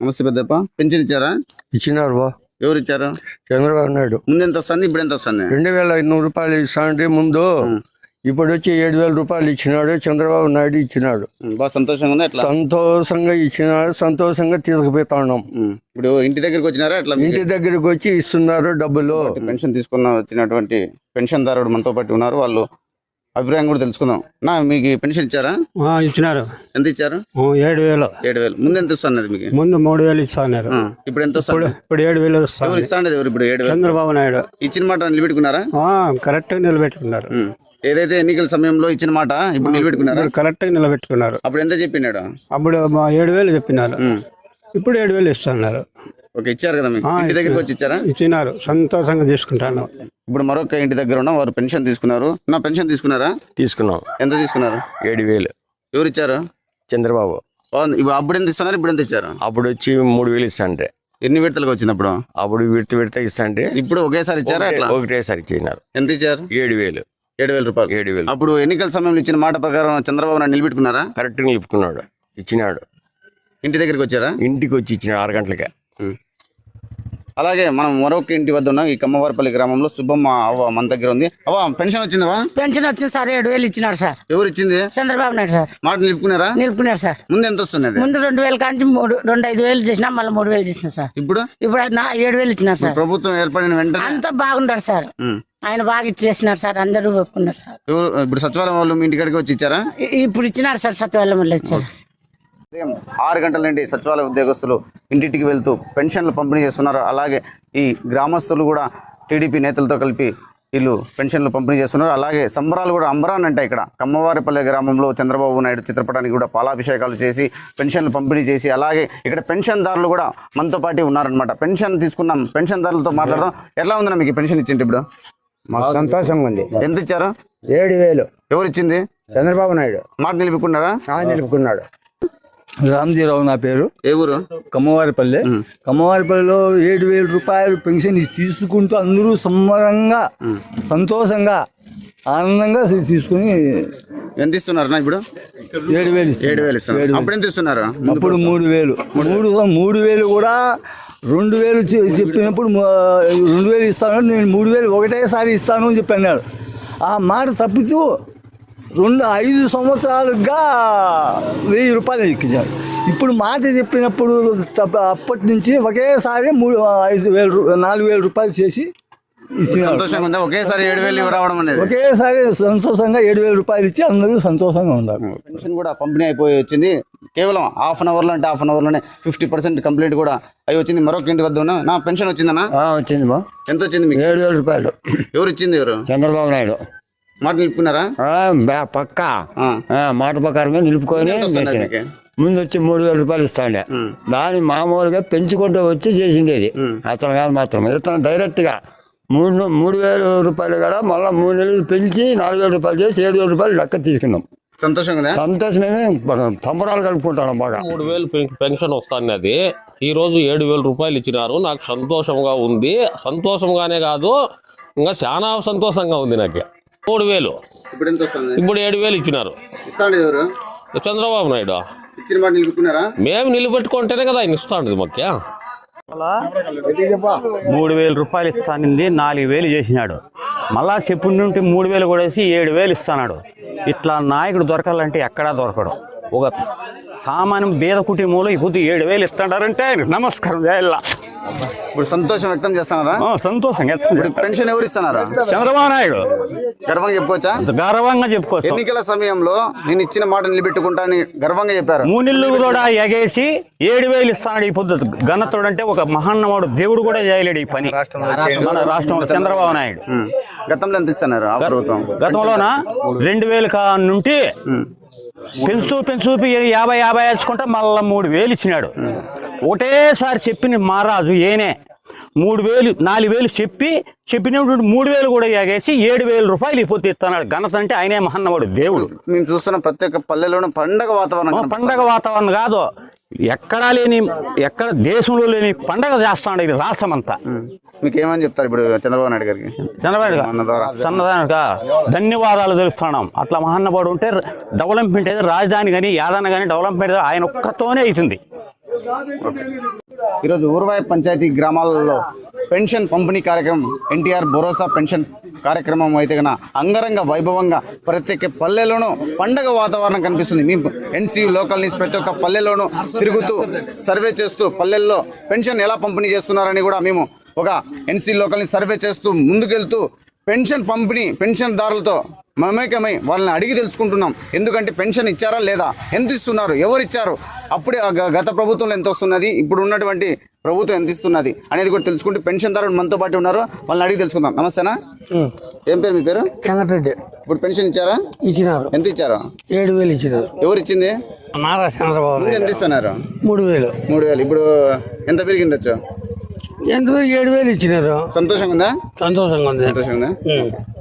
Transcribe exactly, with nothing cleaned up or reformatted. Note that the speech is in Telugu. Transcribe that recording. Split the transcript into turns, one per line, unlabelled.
నమస్తే పెద్దప్ప. పెన్షన్ ఇచ్చారా?
ఇచ్చినారు బా.
ఎవరు ఇచ్చారు?
చంద్రబాబు నాయుడు.
ముందు ఎంత వస్తుంది, ఇప్పుడు ఎంత వస్తుంది?
రెండు వేల ఐదు నూరు రూపాయలు ఇస్తానంటే ముందు, ఇప్పుడు వచ్చి ఏడు వేల రూపాయలు ఇచ్చినాడు చంద్రబాబు నాయుడు ఇచ్చినాడు.
బాగా సంతోషంగా ఉంది. ఎట్లా?
సంతోషంగా ఇచ్చినాడు, సంతోషంగా తీసుకుపోతా ఉన్నాం.
ఇప్పుడు ఇంటి దగ్గరికి వచ్చినారా? ఎట్లా?
ఇంటి దగ్గరికి వచ్చి ఇస్తున్నారు డబ్బులు.
పెన్షన్ తీసుకున్న వచ్చినటువంటి పెన్షన్ దారుడు మనతో పాటు ఉన్నారు, వాళ్ళు అభిప్రాయం కూడా తెలుసుకుందాం. నా మీకు పెన్షన్ ఇచ్చారా?
ఇచ్చినారు.
ఎంత ఇచ్చారు?
ఏడు వేలు.
ఏడు వేలు ముందు ఎంత వస్తున్నది మీకు?
ముందు మూడు వేలు ఇస్తున్నారు.
ఇప్పుడు ఎంత వస్తుంది?
ఇప్పుడు ఏడు వేలు
ఎవరు
వస్తారు.
ఇస్తాండేది? ఎవరు ఇప్పుడు ఏడు వేలు?
చంద్రబాబు నాయుడు
ఇచ్చిన మాట నిలబెట్టుకున్నారా?
కరెక్ట్ గా నిలబెట్టుకున్నారు.
ఏదైతే ఎన్నికల సమయంలో ఇచ్చిన మాట ఇప్పుడు నిలబెట్టుకున్నారా?
కరెక్ట్ గా నిలబెట్టుకున్నారు.
అప్పుడు ఎంత చెప్పినాడు?
అప్పుడు మా ఏడు వేలు చెప్పినారు, ఇప్పుడు ఏడు వేలు ఇస్తున్నారు.
ఓకే, ఇచ్చారు కదా మీకు? ఇంటి దగ్గరికి వచ్చి ఇచ్చారా?
ఇచ్చినారు, సంతోషంగా తీసుకుంటాను.
ఇప్పుడు మరొక ఇంటి దగ్గర ఉన్న వారు పెన్షన్ తీసుకున్నారు. నా పెన్షన్ తీసుకున్నారా?
తీసుకున్నాం.
ఎంత తీసుకున్నారు?
ఏడు వేలు.
ఎవరు ఇచ్చారు?
చంద్రబాబు.
ఇప్పుడు అప్పుడు ఎంత ఇస్తున్నారు, ఇప్పుడు ఎంత ఇచ్చారు?
అప్పుడు వచ్చి మూడు వేలు ఇస్తాంటే.
ఎన్ని విడతలకు వచ్చింది అప్పుడు?
అప్పుడు విడత విడత ఇస్తాంటే
ఇప్పుడు ఒకేసారి ఇచ్చారా? ఎట్లా?
ఒకటేసారి ఇచ్చినారు.
ఎంత ఇచ్చారు?
ఏడు వేలు.
ఏడు వేల రూపాయలు.
ఏడు వేలు.
అప్పుడు ఎన్నికల సమయంలో ఇచ్చిన మాట ప్రకారం చంద్రబాబు నాయుడు నిలబెట్టుకున్నారా?
కరెక్ట్ గా నిలుపుకున్నాడు, ఇచ్చినాడు.
ఇంటి దగ్గరికి వచ్చారా?
ఇంటికి వచ్చి ఇచ్చినాడు ఆరు గంటలకే.
అలాగే మనం మరొక ఇంటి వద్ద ఉన్నాం. ఈ కమ్మవారిపల్లి గ్రామంలో సుబ్బమ్మ అవ్వ మన దగ్గర ఉంది. అవ్వ, పెన్షన్ వచ్చిందవా?
పెన్షన్ వచ్చింది సార్, ఏడు వేలు ఇచ్చినాడు సార్.
ఎవరు ఇచ్చింది?
చంద్రబాబు నాయుడు సార్.
మాట నిలుపుకున్నారా?
నిలుపుకున్నారు సార్.
ముందు ఎంత వస్తున్నది?
ముందు రెండు వేల కాంచి మూడు రెండు ఐదు వేలు చేసినా, మళ్ళీ మూడు వేలు చేసిన సార్.
ఇప్పుడు
ఇప్పుడు నా ఏడు వేలు ఇచ్చినారు సార్.
ప్రభుత్వం ఏర్పడిన వెంటనే
అంతా బాగుంటారు సార్. ఆయన బాగా ఇచ్చేసినారు సార్, అందరూ ఒప్పుకున్నారు సార్.
ఇప్పుడు సచివాలయం వాళ్ళు మీ ఇంటికాడికి వచ్చి ఇచ్చారా?
ఇప్పుడు ఇచ్చినారు సార్, సత్యవాళ్ళ వల్ల ఇచ్చారు.
ఆరు గంటల నుండి సచివాలయ ఉద్యోగస్తులు ఇంటింటికి వెళ్తూ పెన్షన్లు పంపిణీ చేస్తున్నారు. అలాగే ఈ గ్రామస్తులు కూడా టీడీపీ నేతలతో కలిపి వీళ్ళు పెన్షన్లు పంపిణీ చేస్తున్నారు. అలాగే సంబరాలు కూడా అంబరాన్ అంటే ఇక్కడ కమ్మవారిపల్లె గ్రామంలో చంద్రబాబు నాయుడు చిత్రపటానికి కూడా పాలాభిషేకాలు చేసి పెన్షన్లు పంపిణీ చేసి, అలాగే ఇక్కడ పెన్షన్దారులు కూడా మనతో పాటు ఉన్నారనమాట. పెన్షన్ తీసుకున్నాం, పెన్షన్దారులతో మాట్లాడదాం. ఎలా ఉందన్నా మీకు పెన్షన్ ఇచ్చింది? ఇప్పుడు
మాకు సంతోషంగా ఉంది.
ఎంత ఇచ్చారు?
ఏడు వేలు.
ఎవరు ఇచ్చింది?
చంద్రబాబు నాయుడు.
మాట నిలుపుకున్నారా?
నిలుపుకున్నాడు. రామ్జీరావు నా పేరు.
ఏ ఊరు?
కమ్మవారిపల్లి. కమ్మవారిపల్లిలో ఏడు వేల రూపాయలు పెన్షన్ తీసుకుంటూ అందరూ సంబరంగా సంతోషంగా ఆనందంగా తీసుకుని.
ఎంత ఇస్తున్నారు ఇప్పుడు?
ఏడు వేలు
ఏడు వేలు ఇస్తున్నారు. అప్పుడు ఎంత ఇస్తున్నారు?
అప్పుడు మూడు వేలు. మూడు మూడు వేలు కూడా రెండు వేలు చెప్పినప్పుడు రెండు వేలు ఇస్తాను, నేను మూడు వేలు ఒకటేసారి ఇస్తాను అని చెప్పి అన్నాడు. ఆ మాట తప్పుతూ రెండు ఐదు సంవత్సరాలుగా వెయ్యి రూపాయలు ఎక్కించాడు. ఇప్పుడు మాట చెప్పినప్పుడు అప్పటి నుంచి ఒకేసారి మూడు ఐదు వేలు నాలుగు వేల రూపాయలు చేసి ఇచ్చిన.
సంతోషంగా ఉందా? ఒకేసారి ఏడు వేలు రావడం అనేది?
ఒకేసారి సంతోషంగా ఏడు వేల రూపాయలు ఇచ్చి అందరూ సంతోషంగా ఉన్నారు.
పెన్షన్ కూడా పంపిణీ అయిపోయి వచ్చింది. కేవలం హాఫ్ అన్ అవర్లో అంటే హాఫ్ అన్ అవర్లోనే ఫిఫ్టీ పర్సెంట్ కంప్లీట్ కూడా అవి వచ్చింది. మరొక ఇంటి వద్ద ఉన్నా. నా పెన్షన్ వచ్చిందన్నా?
వచ్చింది బా.
ఎంత వచ్చింది మీకు?
ఏడు వేల రూపాయలు.
ఎవరు ఇచ్చింది? ఎవరు?
చంద్రబాబు నాయుడు.
మాట నిలుపుకున్నారా?
పక్క మాట ప్రకారమే నిలుపుకొని ముందు వచ్చి మూడు వేల రూపాయలు ఇస్తాండే. దాన్ని మామూలుగా పెంచుకుంటూ వచ్చి చేసిండేది అతను కాదు. మాత్రం ఇతను డైరెక్ట్ గా మూడు మూడు వేల రూపాయలు కూడా మళ్ళీ మూడు నెలలు పెంచి నాలుగు వేల రూపాయలు చేసి ఏడు వేల రూపాయలు లెక్క తీసుకున్నాం.
సంతోషంగా
సంతోషమేమే సంబరాలు కలుపుకుంటాను బాగా.
మూడు వేలు పెన్షన్ వస్తాన్నది ఈ రోజు ఏడు వేల రూపాయలు ఇచ్చినారు. నాకు సంతోషంగా ఉంది. సంతోషంగానే కాదు, ఇంకా చాలా సంతోషంగా ఉంది నాకు. మూడు వేలు
ఇప్పుడు ఎంత వస్తుంది?
ఇప్పుడు ఏడు వేలు ఇచ్చినారు.
ఇస్తాండి ఎవరు?
చంద్రబాబు నాయుడు.
ఇచ్చిన మాట నిలుపుకున్నారా?
మేము నిలబెట్టుకుంటేనే కదా ఆయన ఇస్తాండి మాకు.
మూడు వేల రూపాయలు ఇస్తానింది, నాలుగు వేలు చేసినాడు. మళ్ళా చెప్పు నుండి మూడు వేలు కూడా వేసి ఏడు వేలు ఇస్తున్నాడు. ఇట్లా నాయకుడు దొరకాలంటే ఎక్కడా దొరకడు. ఒక సామాన్యం బీద కుటుంబంలో ఇప్పుడు ఏడు వేలు ఇస్తాడారంటే నమస్కారం చేయాల.
ఇప్పుడు సంతోషం వ్యక్తం చేస్తున్నారా?
సంతోషం.
పెన్షన్ ఎవరు ఇస్తున్నారా?
చంద్రబాబు నాయుడు.
గర్వంగా చెప్పుకోవచ్చా?
గర్వంగా చెప్పుకోవచ్చు.
ఎన్నికల సమయంలో నేను ఇచ్చిన మాట నిలబెట్టుకుంటానని గర్వంగా చెప్పారు.
మూడు నెలలు కూడా ఎగేసి ఏడు వేలు ఇస్తాడు. ఈ పొద్దు ఘనతుడు అంటే ఒక మహాన్నవాడు, దేవుడు కూడా చేయలేడు ఈ పని మన రాష్ట్రంలో చంద్రబాబు నాయుడు.
గతంలో ఎంత ఇస్తున్నారు ప్రభుత్వం?
గతంలోన రెండు వేలు కా నుండి పెంచు పెంచు యాభై యాభై వేసుకుంటా మళ్ళా మూడు వేలు ఇచ్చినాడు. ఒకటేసారి చెప్పిన మహారాజు ఏనే మూడు వేలు నాలుగు వేలు చెప్పి చెప్పినప్పుడు మూడు వేలు కూడా ఎగేసి ఏడు వేల రూపాయలు ఇప్పుడు ఇస్తున్నాడు. ఘనత అంటే ఆయనే మహన్నవాడు, దేవుడు.
మేము చూస్తున్న ప్రతి ఒక్క పల్లెలోనూ పండగ వాతావరణం.
పండగ వాతావరణం కాదు, ఎక్కడా లేని ఎక్కడ దేశంలో లేని పండగ చేస్తాడు ఇది రాష్ట్రం అంతా.
మీకు ఏమని చెప్తారు ఇప్పుడు చంద్రబాబు నాయుడు గారికి?
చంద్రబాబు సన్నదానిగా ధన్యవాదాలు తెలుస్తున్నాం. అట్లా మహాన్నవాడు ఉంటే డెవలప్మెంట్ అయితే రాజధాని కానీ యాదన కానీ డెవలప్మెంట్ ఆయన ఒక్కతోనే అవుతుంది.
ఈరోజు ఊర్వాయ పంచాయతీ గ్రామాలలో పెన్షన్ పంపిణీ కార్యక్రమం ఎన్టీఆర్ భరోసా పెన్షన్ కార్యక్రమం అయితే కన్నా అంగరంగ వైభవంగా ప్రతి ఒక్క పల్లెలోనూ పండగ వాతావరణం కనిపిస్తుంది. మీ ఎన్సీయూ లోకల్ న్యూస్ ప్రతి ఒక్క పల్లెల్లోనూ తిరుగుతూ సర్వే చేస్తూ పల్లెల్లో పెన్షన్ ఎలా పంపిణీ చేస్తున్నారని కూడా మేము ఒక ఎన్సీ లోకల్ న్యూస్ సర్వే చేస్తూ ముందుకెళ్తూ పెన్షన్ పంపిణీ పెన్షన్దారులతో మమేకమై వాళ్ళని అడిగి తెలుసుకుంటున్నాం. ఎందుకంటే పెన్షన్ ఇచ్చారా లేదా, ఎంత ఇస్తున్నారు, ఎవరు ఇచ్చారు, అప్పుడే ఆ గ- గత ప్రభుత్వంలో ఎంత వస్తున్నది, ఇప్పుడు ఉన్నటువంటి ప్రభుత్వం ఎంత ఇస్తున్నది అనేది కూడా తెలుసుకుంటే పెన్షన్దారులు మనతో పాటు ఉన్నారు, వాళ్ళని అడిగి తెలుసుకుందాం. నమస్తేనా, ఏం పేరు మీ పేరు?
వెంకటరెడ్డి
ఇప్పుడు పెన్షన్ ఇచ్చారా?
ఇచ్చినారు,
ఎంత ఇచ్చారు?
ఏడు వేలు ఇచ్చినారు.
ఎవరు ఇచ్చింది?
నారా చంద్రబాబు
ముందు ఎంత ఇస్తున్నారు?
మూడు వేలు.
మూడు వేలు ఇప్పుడు ఎంత పెరిగిండొచ్చు?
ఎంతవరకు ఏడు వేలు ఇచ్చినారు.
సంతోషంగా ఉందా?
సంతోషంగా ఉంది.
సంతోషంగా ఉందా?
ఉం.